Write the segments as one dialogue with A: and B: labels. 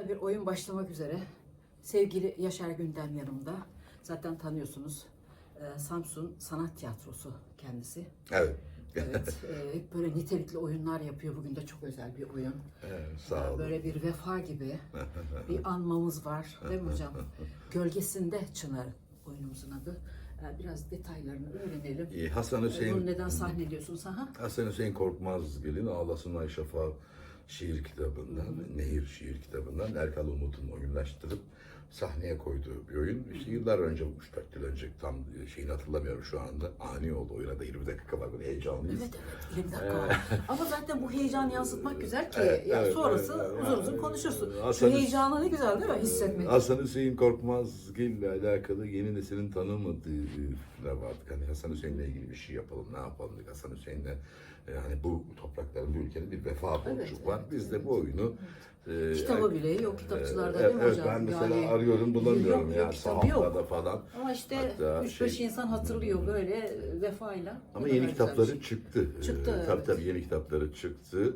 A: güzel bir oyun başlamak üzere. Sevgili Yaşar Gündem yanımda. Zaten tanıyorsunuz. Samsun Sanat Tiyatrosu kendisi.
B: Evet.
A: Evet, hep böyle nitelikli oyunlar yapıyor. Bugün de çok özel bir oyun.
B: Evet, sağ olun.
A: Böyle bir vefa gibi bir anmamız var. Değil mi hocam? Gölgesinde Çınar oyunumuzun adı. Biraz detaylarını öğrenelim.
B: Hasan Hüseyin,
A: Bunu neden sahneliyorsunuz? Ha?
B: Hasan Hüseyin Korkmazgil'in Ağlasın Ay Şafağı şiir kitabından, Nehir şiir kitabından Erkal Umut'un oyunlaştırıp sahneye koyduğu bir oyun. İşte yıllar önce, 3-4 yıl önce, tam şeyini hatırlamıyorum şu anda. Ani oldu. Oyuna da 20 dakika var. Böyle heyecanlıyız.
A: Evet, 20 dakika var. Ama zaten bu heyecanı yansıtmak güzel ki
B: Evet,
A: sonrası
B: evet.
A: uzun uzun konuşursun. Şu
B: Hasan-
A: heyecanı ne güzel değil mi hissetmek?
B: Hasan Hüseyin Korkmazgil ile alakalı yeni neslin tanımadığı fikirler vardı. Hani Hasan Hüseyin'le ilgili bir şey yapalım, ne yapalım dedik. Hasan Hüseyin'le hani bu toprakların, bu ülkenin bir vefa borcu
A: Evet,
B: var. Biz de bu oyunu
A: Kitabı bile yok kitapçılarda değil mi
B: evet,
A: hocam?
B: ben mesela
A: Yani
B: arıyorum, bulamıyorum
A: yok,
B: yani
A: kitabı yok.
B: sahaflarda falan.
A: Ama işte
B: Hatta
A: 3-5 insan hatırlıyor böyle vefayla.
B: Ama
A: Ne kadar
B: yeni
A: güzel bir
B: kitapları
A: şey.
B: çıktı.
A: Çıktı,
B: Tabii
A: evet.
B: tabii yeni kitapları çıktı.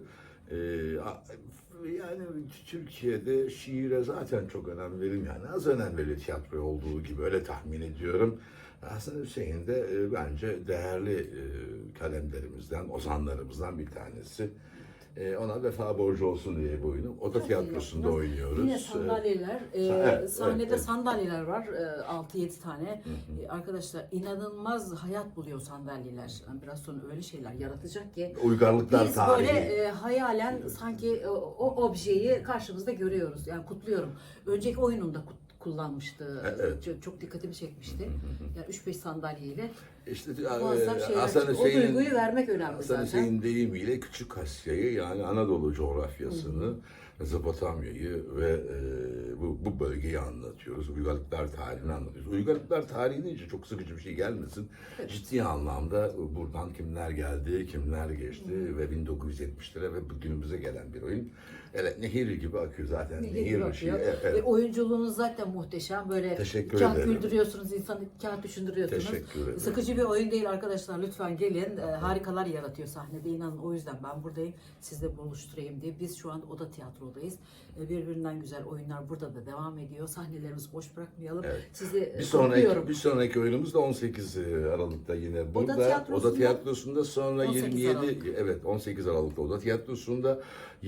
B: Yani Türkiye'de şiire zaten çok önem verim, yani az önem verilir tiyatroya olduğu gibi, öyle tahmin ediyorum. Hasan Hüseyin de bence değerli kalemlerimizden, ozanlarımızdan bir tanesi. Ona vefa borcu olsun diye bu oyunu Oda
A: Çok iyi
B: Tiyatrosu'nda
A: yaptınız.
B: oynuyoruz.
A: Yine sandalyeler,
B: evet,
A: sahnede
B: evet.
A: sandalyeler var, 6-7 tane. Arkadaşlar inanılmaz hayat buluyor sandalyeler. Yani biraz sonra öyle şeyler yaratacak ki
B: Uygarlıklar
A: biz
B: tarihi.
A: böyle hayalen sanki o objeyi karşımızda görüyoruz. Yani kutluyorum. Önceki oyununda kullanmıştı.
B: Evet.
A: Çok dikkatimi çekmişti. Yani 3-5 sandalyeyle
B: İşte
A: muazzam şeyler
B: Hasan
A: çıkıyor. O
B: Hüseyin'in
A: duyguyu vermek önemli
B: Hasan
A: zaten.
B: Hüseyin deyimiyle Küçük Asya'yı, yani Anadolu coğrafyasını, Mezopotamya'yı ve bu bölgeyi anlatıyoruz. Uygarlıklar tarihini anlatıyoruz. Uygarlıklar tarihi deyince çok sıkıcı bir şey gelmesin. Ciddi anlamda buradan kimler geldi, kimler geçti ve 1970'lere ve bugünümüze gelen bir oyun. Evet, nehir gibi akıyor zaten. Nehir ışığı. Evet.
A: Oyunculuğunuz zaten muhteşem. Böyle
B: Teşekkür
A: kağıt
B: ederim.
A: güldürüyorsunuz, insanı kağıt düşündürüyorsunuz.
B: Teşekkür ederim.
A: Sıkıcı bir oyun değil arkadaşlar. Lütfen gelin. Harikalar yaratıyor sahnede. İnanın, o yüzden ben buradayım. Sizle buluşturayım diye. Biz şu an Oda Tiyatro'dayız. Birbirinden güzel oyunlar burada da devam ediyor. Sahnelerimizi boş bırakmayalım.
B: Evet.
A: Sizi
B: Bir
A: kutluyorum.
B: sonraki oyunumuz da 18 Aralık'ta yine burada.
A: Tiyatrosu'nda-
B: Oda Tiyatrosu'nda, sonra
A: 18
B: 27
A: Aralık.
B: evet 18 Aralık'ta Oda Tiyatrosu'nda,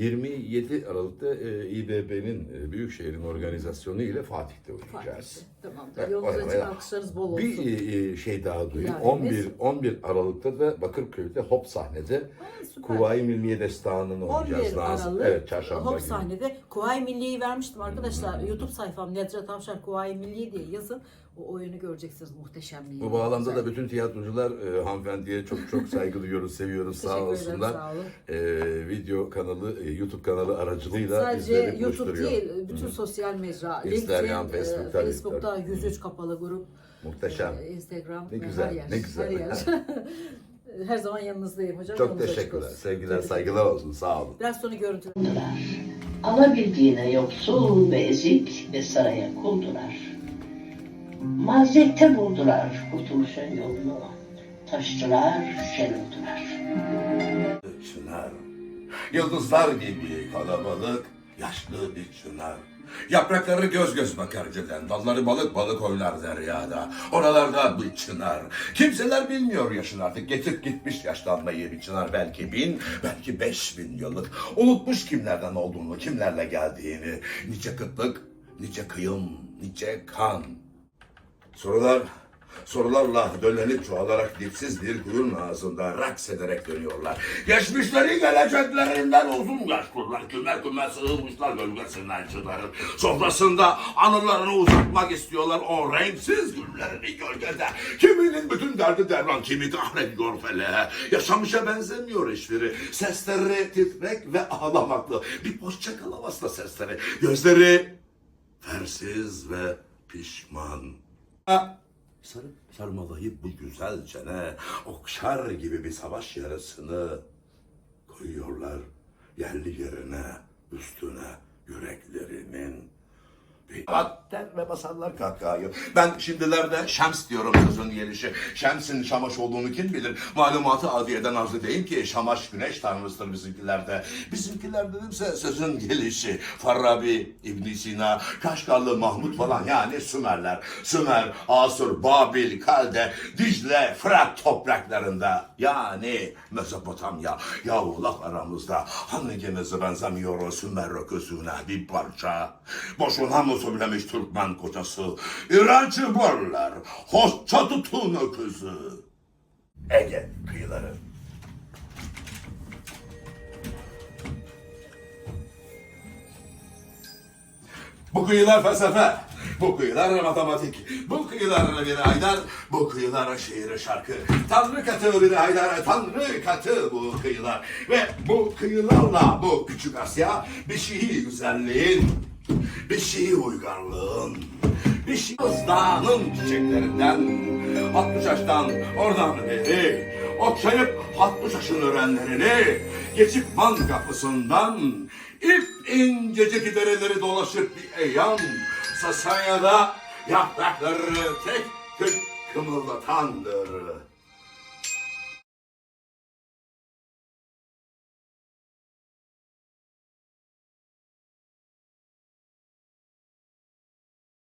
B: 27 Aralık'ta İBB'nin Büyükşehir'in organizasyonu ile Fatih'te oynayacağız.
A: Tamam.
B: Evet,
A: Yolunuz açık,
B: bayağı.
A: alkışlarınız bol olsun.
B: Bir şey daha duyayım.
A: İlavemiz.
B: 11 Aralık'ta da Bakırköy'de Hop sahnede
A: Süper.
B: Kuvayi Milliye Destanı'nı
A: 11
B: oynayacağız.
A: Aralık
B: Evet, çarşamba
A: Hop
B: günü.
A: sahnede Kuvayi Milliye'yi vermiştim arkadaşlar. YouTube sayfam Nedret Avşar Kuvayi Milliye diye yazın. O oyunu göreceksiniz, muhteşemliği.
B: Bu bağlamda
A: Güzel.
B: da bütün tiyatrocular hanımefendiye çok çok saygı duyuyoruz, seviyoruz. Sağ
A: Teşekkür ederim,
B: olsunlar.
A: sağ olun.
B: Video kanalı, YouTube kanalı aracılığıyla
A: Sadece
B: bizleri
A: YouTube
B: buluşturuyor.
A: değil, bütün sosyal mecra.
B: Instagram,
A: LinkedIn,
B: Facebook, tabii,
A: Facebook'ta
B: tabii.
A: 103 kapalı grup.
B: Muhteşem.
A: Instagram,
B: Ne güzel,
A: her yer.
B: ne güzel.
A: Her yer. Her zaman yanınızdayım hocam.
B: Çok
A: Yolunuz açık
B: teşekkürler.
A: olsun.
B: Sevgiler,
A: Tebrik
B: saygılar olsun. Sağ olun.
A: Biraz sonra görüntüler.
C: Alabildiğine yoksul ve ezik ve saraya kuldular. Maziyette buldular kurtuluşun yolunu. Taştılar, şer oldular.
B: Çınar, yıldızlar gibi kalabalık, yaşlı bir çınar. Yaprakları göz göz bakar cidden, dalları balık balık oynar deryada. Oralarda bir çınar. Kimseler bilmiyor yaşını artık, getip gitmiş yaşlanmayı bir çınar. Belki 1000, belki 5000 yıllık. Unutmuş kimlerden olduğunu, kimlerle geldiğini. Nice kıtlık, nice kıyım, nice kan. Sorularla döllenip çoğalarak dipsiz bir kuyunun ağzında raks ederek dönüyorlar. Geçmişleri geleceklerinden uzun yaşlılar, kümer kümer sığınmışlar gölgesinden çıkarır. Sofrasında anılarını uzatmak istiyorlar o renksiz günlerini gölgede. Kiminin bütün derdi derman, kimi kahrediyor feleğe. Yaşamışa benzemiyor hiçbiri. Sesleri titrek ve ağlamaklı. Bir hoşçakal havasla sesleri. Gözleri fersiz ve pişman. Sarmalayıp bu güzel çene, okşar gibi bir savaş yarasını koyuyorlar yerli yerine, üstüne yüreklerinin. der ve basarlar kahkahayı. Ben şimdilerde Şems diyorum sözün gelişi. Şems'in Şamaş olduğunu kim bilir? Malumatı adiyeden arzu değil ki Şamaş güneş tanrısıdır bizimkilerde. Bizimkiler dedimse sözün gelişi. Farabi, İbn Sina, Kaşgarlı Mahmut falan yani Sümerler. Sümer, Asur, Babil, Kalde, Dicle, Fırat topraklarında yani Mezopotamya. Yahu laf aramızda hangimiz benzemiyor o Sümer öküzüne bir parça. Boşuna mı söylemiş Türkmen kocası? İğrenç borular, hoşça tutun öküzü. Ege kıyıları. Bu kıyılar felsefe, bu kıyılar matematik, bu kıyılar bir Haydar, bu kıyılar şiir şarkı. Tanrı katı bir Haydar, Tanrı katı bu kıyılar. Ve bu kıyılarla bu küçük Asya bir şiir güzelliğin, bir şiir uygarlığın, bir şiir dağının çiçeklerinden, 60 yaştan oradan beri, okşayıp 60 yaşın öğrenlerini, geçip Man kapısından, İp incecik dereleri dolaşıp bir eyyam, Sasanya'da yaprakları tek tek kımıldatandır.